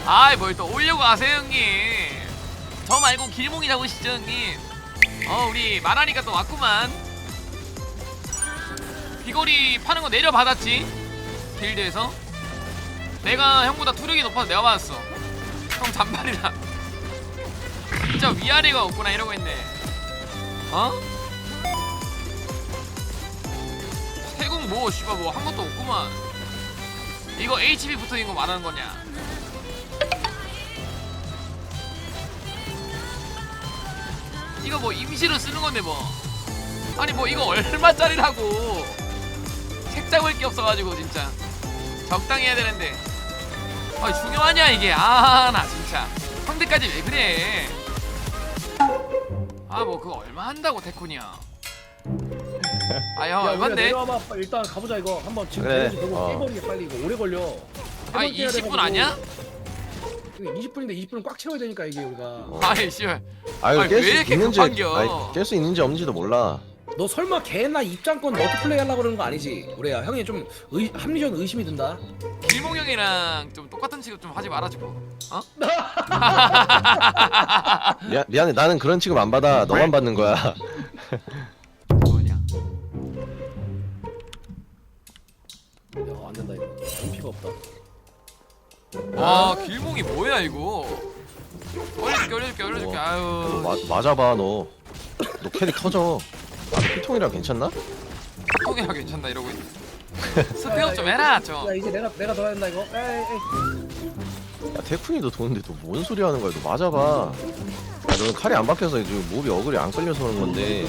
아이 뭘 또 오려고 하세요 형님. 저 말고 길몽이 잡으시죠 형님. 우리 말하니까 또 왔구만. 비거리 파는 거 내려받았지 길드에서. 내가 형보다 투력이 높아서 내가 받았어. 형 잔발이라 진짜 위아래가 없구나 이러고 있네. 세공 뭐 씨발 뭐 한 것도 없구만. 이거 HP 붙어있는 거 말하는 거냐. 이거 뭐 임시로 쓰는 건데 뭐. 아니 뭐 이거 얼마짜리라고. 책 잡을 게 없어가지고 진짜 적당히 해야 되는데. 중요하냐 이게. 나 진짜 형들까지 왜 그래. 뭐 그거 얼마 한다고 태쿤이야. 형 얼만데? 내려와봐. 일단 가보자 이거. 한번 지금 그래. 깨버리게 빨리. 이거 오래 걸려. 20분 아니야? 20분인데 20분은 꽉 채워야 되니까 이게 우리가. 씨발. 이거 왜 깰 수 이렇게 있는지 급한겨? 깰 수 있는지 없는지도 몰라. 너 설마 걔나 입장권 너도 플레이 하려고 그러는 거 아니지? 우리야 형이 좀 합리적 의심이 든다. 길몽 형이랑 좀 똑같은 취급 좀 하지 말아주고. 미안해, 나는 그런 취급 안 받아. 너만 받는 거야. 뭐냐? 안 된다 이거. 피가 없다. 길몽이 뭐야 이거. 올려줄게. 아유. 맞아봐 너. 너 캐릭 터져. 피통이랑 괜찮나? 통이라 괜찮다 이러고 있네. 스펙업 좀 해라 좀. 야 이제 내가 더 해야 된다 이거. 에이. 야 태쿤이도 도는데 너 뭔 소리 하는 거야? 너 맞아봐. 너는 칼이 안 박혀서 지금 몹이 어글이 안 끌려서 그런 건데.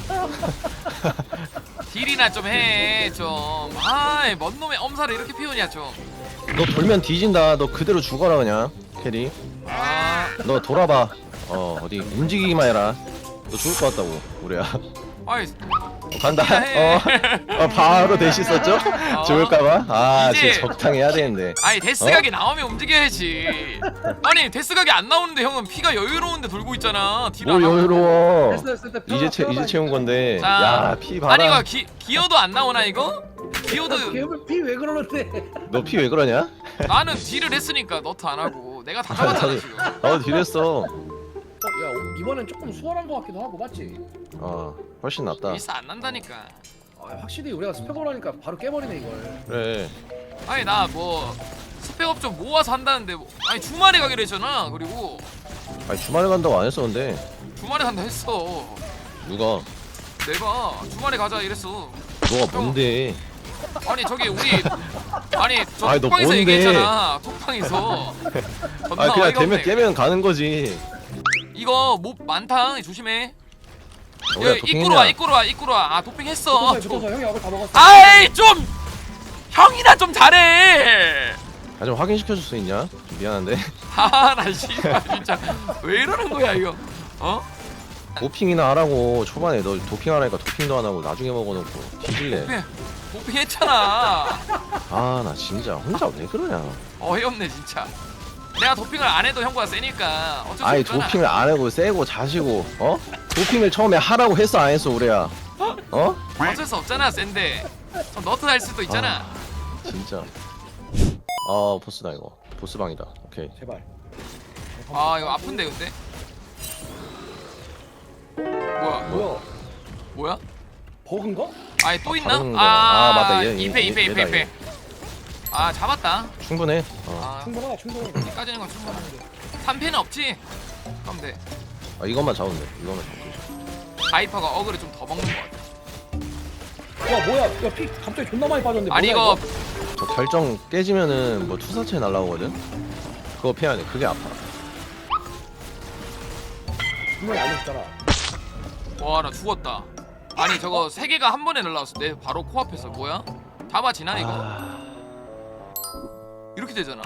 딜이나 좀 해 좀. 뭔 놈의 엄살을 이렇게 피우냐 좀. 너 돌면 뒤진다. 너 그대로 죽어라 그냥 캐리. 너 돌아봐. 어디 움직이기만 해라. 너 죽을 것 같다고 우리야. 간다. 바로 대시 썼죠? 죽을까봐. 이제- 진짜 적당히 해야 되는데. 데스각이 나오면 움직여야지. 아니 데스각이 안 나오는데 형은 피가 여유로운데 돌고 있잖아. 딜 안 뭘 하고. 여유로워. 됐어. 이제 채운 건데. 자, 야, 피 봐라. 아니 이거 기어도 안 나오나 이거? 기어도 피왜 그러는데? 너 피 왜 그러냐? 나는 딜을 했으니까 너트 안 하고 내가 다 잡았잖아 지금. 나도 딜했어. 야 이번엔 조금 수월한 것 같기도 하고 맞지? 훨씬 낫다. 일사 안 난다니까. 확실히 우리가 스펙을 하니까 바로 깨버리네 이걸. 그래. 아니 나 뭐 스펙업 좀 모아서 한다는데 주말에 가기로 했잖아. 그리고 아니 주말에 간다고 안 했어 근데. 주말에 간다 했어. 누가? 내가 주말에 가자 이랬어. 너가 뭔데? 아니 저기 우리 저 아니, 너 톡방에서 뭔데? 얘기했잖아. 톡방에서. 존나 그냥 어이가 되면 없네. 깨면 가는 거지. 이거 몹 많다. 조심해. 너야 입구로 와. 도핑했어. 붙어서 형이 얼굴 다 먹었어. 아이 좀 형이나 좀 잘해. 좀 확인시켜 줄 수 있냐? 좀 미안한데. 나 씨발 진짜 왜 이러는 거야 이거. 도핑이나 하라고. 초반에 너 도핑하라니까 도핑도 안 하고 나중에 먹어놓고 뒤질래. 도핑했잖아. 나 진짜 혼자 왜 그러냐. 어이없네 진짜. 내가 도핑을 안 해도 형보다 세니까 어쩔 수 아니 없잖아. 도핑을 안 하고 세고 자시고 도핑을 처음에 하라고 했어 안 했어 우리야? 어쩔 수 없잖아 센데. 너트 할 수도 있잖아. 진짜. 보스다 이거. 보스방이다. 오케이. 제발. 이거 아픈데 근데. 뭐야? 버그인가? 또 있나? 다른 거야. 맞다. 얘 2패. 잡았다. 충분해. 충분해. 여기까지는 건 충분한데 3패는 없지? 그럼 돼. 이것만 잡으면 돼. 이것만 잡으면 돼. 바이퍼가 어그를 좀 더 먹는 것 같아. 와 뭐야? 야피 갑자기 존나 많이 빠졌는데. 아니 뭐야, 이거 저 결정 깨지면은 뭐 투사체 날라오거든. 그거 피해야 돼. 그게 아파. 분명히 알려줬잖아. 와 나 죽었다. 아니 저거 3개가 한 번에 날라왔어. 내 바로 코앞에서. 뭐야? 잡아지나 이거? 이렇게 되잖아.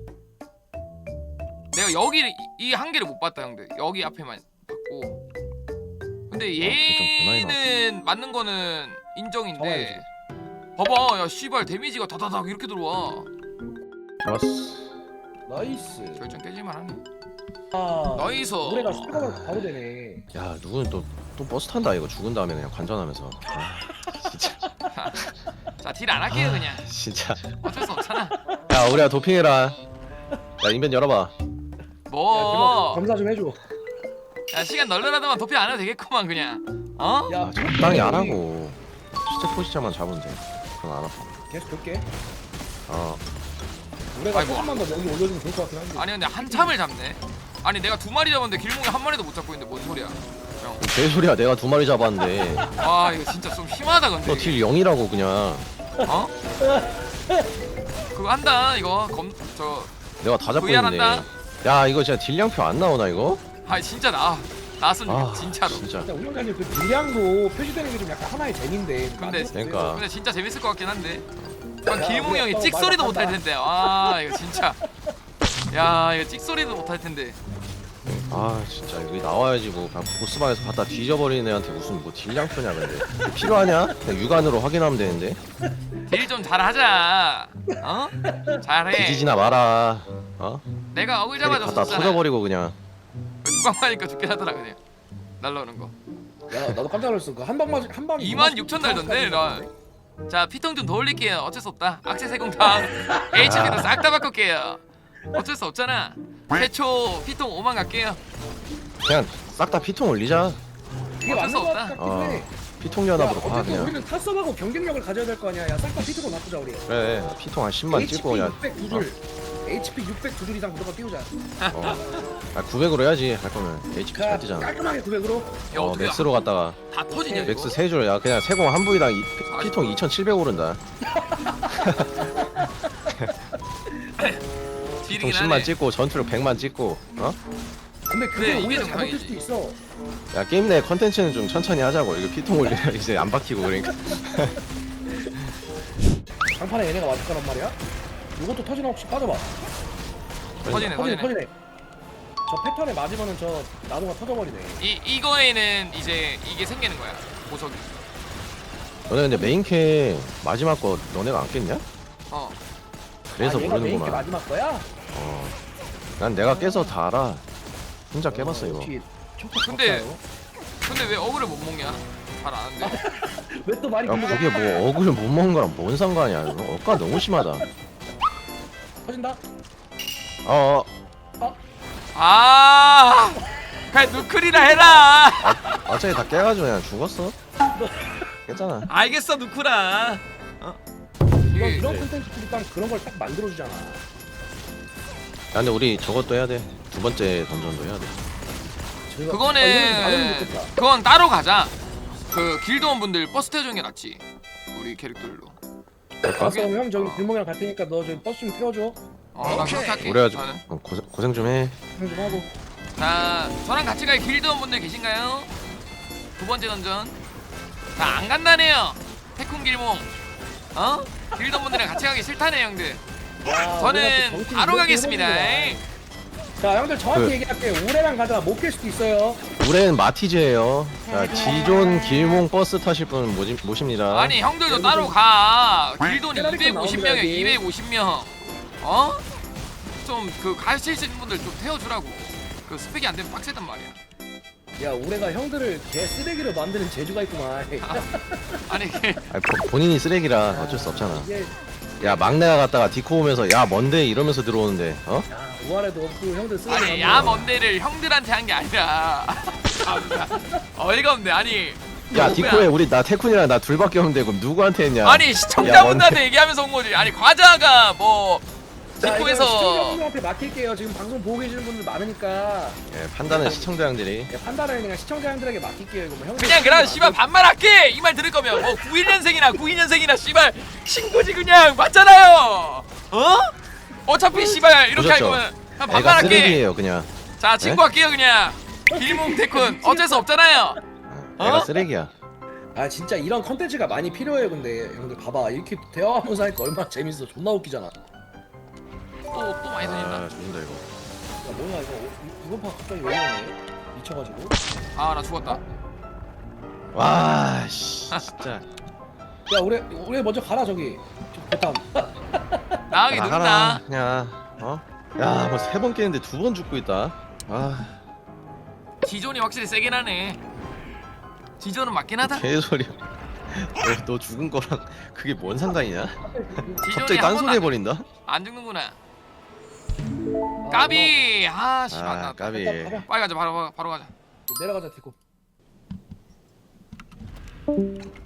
내가 여기 이 한 개를 못 봤다 형들. 여기 앞에만 봤고. 근데 얘는 맞는 거는 인정인데. 봐봐 야 씨발 데미지가 다다닥 이렇게 들어와. 좋았어. 나이스. 결정 깨질만 하네. 나이스. 노래가 스피커가 바로 되네. 야 누구는 또 버스 탄다 이거. 죽은 다음에 그냥 관전하면서. 진짜. 자 딜 안 할게요 그냥. 진짜. 어쩔 수 없잖아. 야 우리야 도핑해라. 야 인벤 열어봐. 뭐? 검사 좀 해줘. 야 시간 널널하다만 도피 안 해도 되겠구만 그냥. 어? 야 아, 적당히 안 하고 시체 포지션만 잡으면 돼. 그건 안 아파. 계속 볼게. 어. 우리가 아이고. 조금만 더 여기 올려주면 좋을 것 같긴 한데. 아니 근데 한참을 잡네. 아니 내가 2마리 잡았는데 길몽이 1마리도 못 잡고 있는데 뭔 소리야? 형. 개소리야. 내가 2마리 잡았는데. 와 이거 진짜 좀 심하다 근데. 너 딜 0이라고 그냥. 어? 그거 한다 이거 저 내가 다 잡고 VR 있는데. 한다. 야 이거 진짜 딜량표 안 나오나 이거? 아 진짜 나왔으면 아 진짜로. 진짜. 진짜 운영자님 그 딜량도 표시되는 게 좀 약간 하나의 재미인데. 근데 그러니까. 근데 진짜 재밌을 것 같긴 한데. 야, 길몽이 형이 우리가 찍소리도 또 못할 말을 텐데. 아 이거 진짜. 야 이거 찍소리도 못할 텐데. 아 진짜 여기 나와야지 뭐 그냥 보스방에서 갖다 뒤져버리는 애한테 무슨 뭐 딜량표냐 근데 필요하냐? 그냥 육안으로 확인하면 되는데 딜 좀 잘하자. 어? 잘해. 뒤지지나 마라. 어? 내가 어글 캐릭 갖다 잡아줬었잖아. 터져버리고 그냥. 두방 맞으니까 죽긴 하더라 그냥. 날라오는 거. 야 나도 깜짝 놀랐어. 그 한 방 맞 한 방이 26,000 달던데 나. 자 피통 좀 더 올릴게요. 어쩔 수 없다. 악세 세공탕 HP도 싹 다 바꿀게요. 어쩔 수 없잖아. 최초 피통 5만 갈게요. 그냥 싹 다 피통 올리자. 이게 어쩔 맞는 수 것 없다. 같긴 어 해. 피통 야, 연합으로 가 어쨌든 그냥. 우리는 타섭하고 경쟁력을 가져야 될 거 아니야. 야 싹 다 피트고 놔두자 우리. 그래 피통 한 10만 찍고 그냥. 600 두 줄. HP 600 두 줄 이상 무조건 띄우자. 어. 아 900으로 해야지 할 거면 HP 잘 뛰잖아. 깔끔하게 900으로. 야 어 어떻게 맥스로 갔다가 다 터지냐 이거? 맥스 3줄. 야 그냥 세공 한 부위당 피통 2,700 오른다. 피통 딜이긴 10만 하네. 찍고 전투력 100만 찍고. 어? 근데 그게 그래, 이게 오히려 잘못될 정상이지. 수도 있어. 야 게임 내 컨텐츠는 좀 천천히 하자고. 이거 피통 올리면 이제 안 박히고 그러니까. 장판에 얘네가 맞을 거란 말이야. 이것도 터지나 혹시 빠져봐. 터지네 터지네. 터지네. 저 패턴에 맞으면은 저 나무가 터져버리네. 이거에는 이제 이게 생기는 거야. 보석이. 너네 근데 메인캐 마지막 거 너네가 안 깼냐? 어. 그래서 얘가 메인 게 모르는구나. 마지막 거야? 어. 난 내가 깨서 다 알아. 혼자 깨봤어 이거. 근데- 근데 왜 어그를 못 먹냐? 잘 아는데. 왜또 말이 야 길고 그게 뭐 어글 못 먹는 거랑 뭔 상관이야? 이거 억까 너무 심하다. 터진다? 어. 아. 그냥 누클이라 해라. 어차피 다 깨가지고 그냥 죽었어. 깼잖아. 알겠어 누쿠라. 이런 이게 콘텐츠들이 일단 그런 걸 딱 만들어주잖아. 야 근데 우리 저것도 해야 돼. 두 번째 던전도 해야 돼. 이런 거 그거는 나누면 좋겠다. 그건 따로 가자. 그 길드원 분들 버스 태워주는 게 낫지. 우리 캐릭터들로. 그럴까? 그럼 형 저기 길몽이랑 갈 테니까 너 저기 버스 좀 태워줘. 난 그렇게 할게. 그래가지고 나는. 고생 좀 해. 형 좀 하고. 자, 저랑 같이 갈 길드원 분들 계신가요? 두 번째 던전. 자, 안 간다네요. 태쿤 길몽. 어? 길드원 분들이랑 같이 가기 싫다네 형들. 야, 우리가 또 저는 정신 바로 이렇게 가겠습니다. 해보는구나. 자 형들 정확히 그- 얘기할게. 올해랑 가다가 못 깰 수도 있어요. 올해는 마티즈예요. 자 지존 길몽 버스 타실 분 모십니다. 아니 형들도 따로 가. 길드원이 깨라리가 250명이야. 나옵니다, 250명. 어? 좀 그 가실 수 있는 분들 좀 태워주라고. 그 스펙이 안 되면 빡세단 말이야. 야 올해가 형들을 개 쓰레기로 만드는 재주가 있구만. 아니 아니, 본인이 쓰레기라 어쩔 수 없잖아. 이게 야 막내가 갔다가 디코 오면서 야 뭔데 이러면서 들어오는데 어? 야 우아래도 없고 형들 쓰레기. 아니 만드는 야 거. 먼데를 형들한테 한 게 아니라. 참나. 어이가 없네. 아니. 야 누구야? 디코에 우리 나 태쿤이랑 나 둘밖에 없는데 그럼 누구한테 했냐? 아니 야, 시청자분들한테 얘기하면서 온 거지. 아니 과자가 뭐 자, 이거 디코에서 시청자분들한테 맡길게요. 지금 방송 보고 계시는 분들 많으니까 예, 판단은 시청자 형들이. 야, 판단을 그냥 시청자 형들에게 맡길게요. 이거 뭐 형들 그냥 그럼 씨발 반말할게. 이 말 들을 거면 뭐 91년생이나 씨발 친구지 그냥 맞잖아요. 어? 어차피 씨발 이렇게 할 보셨죠? 거면 그냥 애가 반말할게. 쓰레기예요 그냥. 자 친구 할게요 그냥. 길몽 태쿤 어쩔 수 없잖아요. 애가 어? 쓰레기야. 아 진짜 이런 컨텐츠가 많이 필요해요. 근데 형들 봐봐 이렇게 대화하면서 하니까 얼마나 재밌어. 존나 웃기잖아. 야 또 많이 다닌다. 아 죽는다 이거. 뭐야 이거 이번 판 갑자기 왜 이러네. 미쳐가지고. 아 나 죽었다. 와 씨, 진짜. 야 올해 먼저 가라 저기. 배탐. 나가기 나가라 늦다. 그냥. 어? 야 뭐 3번 깨는데 2번 죽고 있다. 아 지존이 확실히 세긴 하네. 지존은 맞긴 하다. 개소리야. 너 죽은 거랑 그게 뭔 상관이냐? 지존이 갑자기 한 번도 딴소리 해버린다. 안 죽는구나. 까비. 아 씨발. 아 까비. 빨리 가자. 바로 가자. 내려가자 디코.